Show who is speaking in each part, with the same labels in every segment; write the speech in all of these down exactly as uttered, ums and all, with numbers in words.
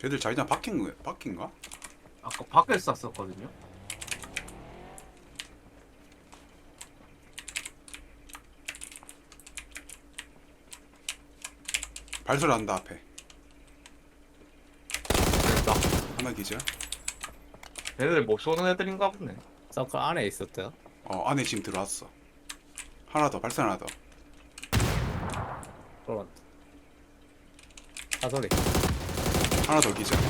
Speaker 1: 쟤들 자기장 바뀐 거야? 바뀐가?
Speaker 2: 아까 밖에서 쐈었거든요.
Speaker 1: 발소리 난다 앞에.
Speaker 2: 됐다.
Speaker 1: 하나 기절.
Speaker 2: 얘네들 못 쏘는 애들인가 보네.
Speaker 3: 서클 안에 있었대요.
Speaker 1: 어 안에 지금 들어왔어. 하나 더 발소리 하나 더.
Speaker 3: 들어왔다. 사소리.
Speaker 1: 하나 더 기절.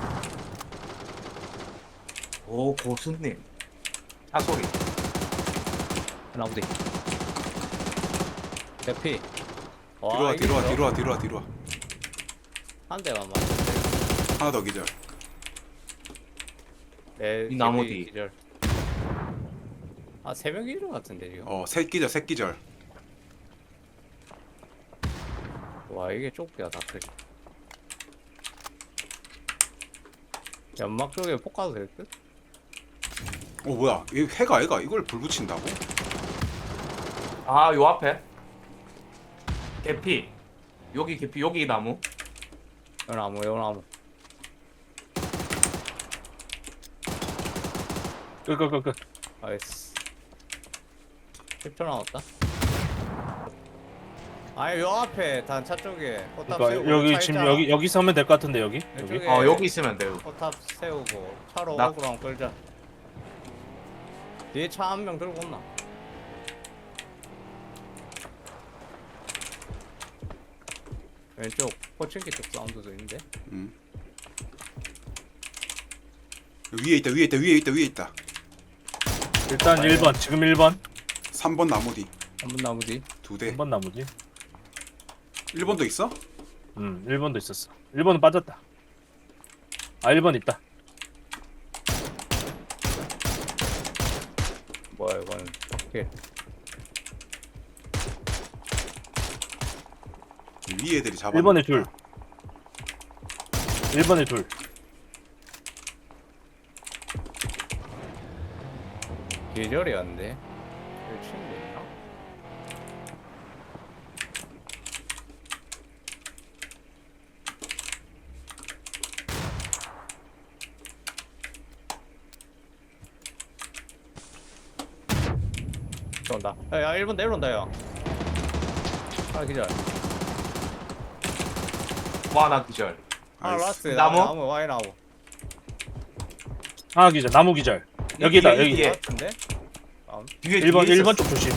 Speaker 2: 오 고수님. 차 소리.
Speaker 3: 하나 어디? 대피.
Speaker 1: 뒤로 와 뒤로 와 뒤로 와 뒤로 와 뒤로 와.
Speaker 3: 한 대만 맞췄대.
Speaker 1: 하나 더 기절.
Speaker 3: 내
Speaker 2: 이 나무
Speaker 3: 기절,
Speaker 2: 뒤.
Speaker 3: 기절. 아, 세 명 기절 같은데 지금.
Speaker 1: 어셋 기절 셋 기절.
Speaker 3: 와, 이게 좁게야 다 그래. 연막 쪽에 폭 가도 될 듯?
Speaker 1: 어 뭐야? 이 해가 애가 이걸 불 붙인다고?
Speaker 2: 아 요 앞에. 개피. 여기 개피 여기 나무.
Speaker 3: 요 나무, 요 나무.
Speaker 4: 끄끄끄끄.
Speaker 3: 나이스. 십 초 남았다. 아니, 요 앞에 단차 쪽에 포탑
Speaker 4: 그러니까
Speaker 3: 세우고
Speaker 4: 여기
Speaker 3: 차
Speaker 4: 지금
Speaker 3: 있잖아.
Speaker 4: 여기 여기 서면 될 것 같은데 여기 여기.
Speaker 3: 이쪽에
Speaker 2: 어 여기 있으면 돼요.
Speaker 3: 포탑 세우고 차로
Speaker 2: 나-
Speaker 3: 어그랑 끌자. 뒤에 차 한 명 들고 온나? 왼쪽 포칭기 쪽 사운드도 있는데.
Speaker 1: 음. 위에 있다 위에 있다 위에 있다 위에 있다.
Speaker 4: 일단 일 번 지금 일 번
Speaker 1: 삼 번 나무 뒤.
Speaker 3: 한 분 나무 뒤.
Speaker 1: 두 대.
Speaker 4: 일 번 나무지.
Speaker 1: 일 번도 있어?
Speaker 4: 음 일 번도 있었어. 일 번은 빠졌다. 아 일 번 있다.
Speaker 3: 뭐야 이거는 오케이.
Speaker 1: 위에 애들이 잡아.
Speaker 4: 일 번에 둘. 일 번에 둘.
Speaker 3: 계절이었는데. 여기 친구 있나? 온다. 야, 야 일 번 내려온다 야. 하나 기절.
Speaker 2: 와나 기절.
Speaker 3: 하나
Speaker 1: 나이스.
Speaker 3: 라스트.
Speaker 2: 나무?
Speaker 3: 나무 와이 나무.
Speaker 4: 하나 기절. 나무 기절. 여기다
Speaker 2: 뒤에,
Speaker 4: 여기.
Speaker 2: 뒤에.
Speaker 3: 같은데? 다음.
Speaker 2: 뒤에
Speaker 4: 일 번
Speaker 2: 뒤에
Speaker 4: 일 번
Speaker 2: 있었어.
Speaker 4: 쪽 조심.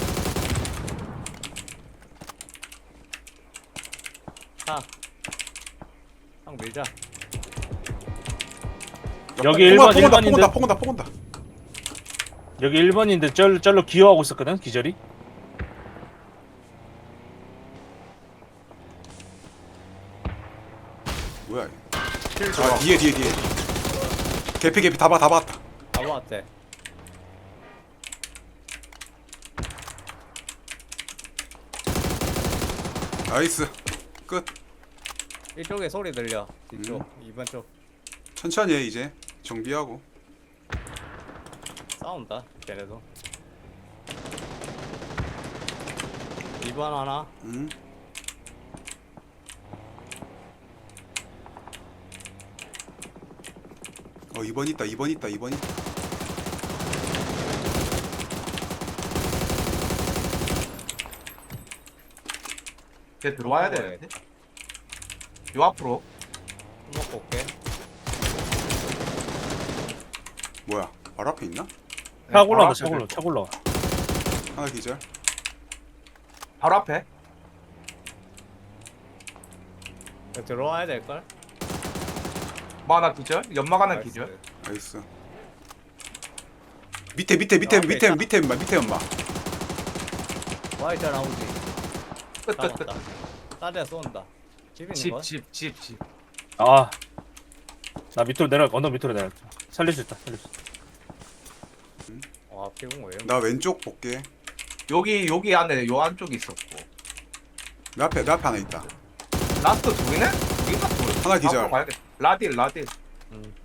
Speaker 3: 차. 형 밀자.
Speaker 4: 여기 일 번,
Speaker 1: 폭 온다
Speaker 4: 일
Speaker 1: 폭
Speaker 4: 번인데.
Speaker 1: 온다 폭 온다 폭 온다.
Speaker 4: 여기 일 번인데 절 절로 기어하고 있었거든 기절이.
Speaker 1: 뭐야?
Speaker 2: 킬
Speaker 1: 아
Speaker 2: 들어가.
Speaker 1: 뒤에 뒤에 뒤에. 개피 개피 다 봐 다 봤다.
Speaker 3: 나무 왔대.
Speaker 1: 나이스. 끝.
Speaker 3: 이쪽에 소리 들려. 뒤쪽.
Speaker 1: 음.
Speaker 3: 이 번 쪽.
Speaker 1: 천천히 해 이제. 정비하고.
Speaker 3: 싸운다. 걔네도. 이 번 하나.
Speaker 1: 음. 어 이 번 있다 이 번 있다 이 번 있다.
Speaker 2: 걔 들어와야 되는데. 요 앞으로.
Speaker 3: 먹고 올게.
Speaker 1: 뭐야? 바로 앞에 있나?
Speaker 4: 차
Speaker 2: 네,
Speaker 4: 올라가
Speaker 2: 바로
Speaker 4: 차
Speaker 2: 앞에
Speaker 4: 올라 차 올라가.
Speaker 1: 하나 기절.
Speaker 2: 바로 앞에.
Speaker 3: 여기 들어와야 될걸?
Speaker 2: 와나 기절. 연막 하나
Speaker 3: 나이스.
Speaker 2: 기절.
Speaker 1: 나이스. 밑에 밑에 밑에
Speaker 3: 앞에
Speaker 1: 밑에
Speaker 3: 있다.
Speaker 1: 밑에 엄마 밑에 엄마.
Speaker 3: 와이자 나오지.
Speaker 2: 끝끝끝.
Speaker 3: 남았다. 딴데 쏜다. 집 있는
Speaker 2: 집
Speaker 3: 거야?
Speaker 2: 집 집 집.
Speaker 4: 아. 나 밑으로 내려 언덕 밑으로 내려. 살릴 수 있다. 살릴 수 있다.
Speaker 3: 와 피곤 왜?
Speaker 1: 나 왼쪽 볼게.
Speaker 2: 여기 여기 안에 요 안쪽에 있었고.
Speaker 1: 내 앞에 내 앞에 하나 있다.
Speaker 2: 라스트 둘이네? 둘이나 둘.
Speaker 1: 하나 기절.
Speaker 2: 앞으로 가야겠다. 라딜 라딜.
Speaker 3: 음.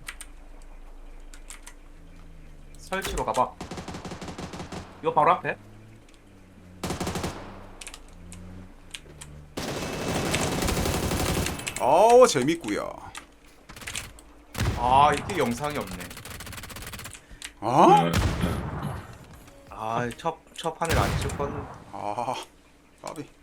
Speaker 2: 설치로 가봐. 요 바로 앞에.
Speaker 1: 어우 재밌구요.
Speaker 2: 아 이게 영상이 없네.
Speaker 1: 아?
Speaker 2: 아첫첫 판을 안 찍었는데.
Speaker 1: 아 까비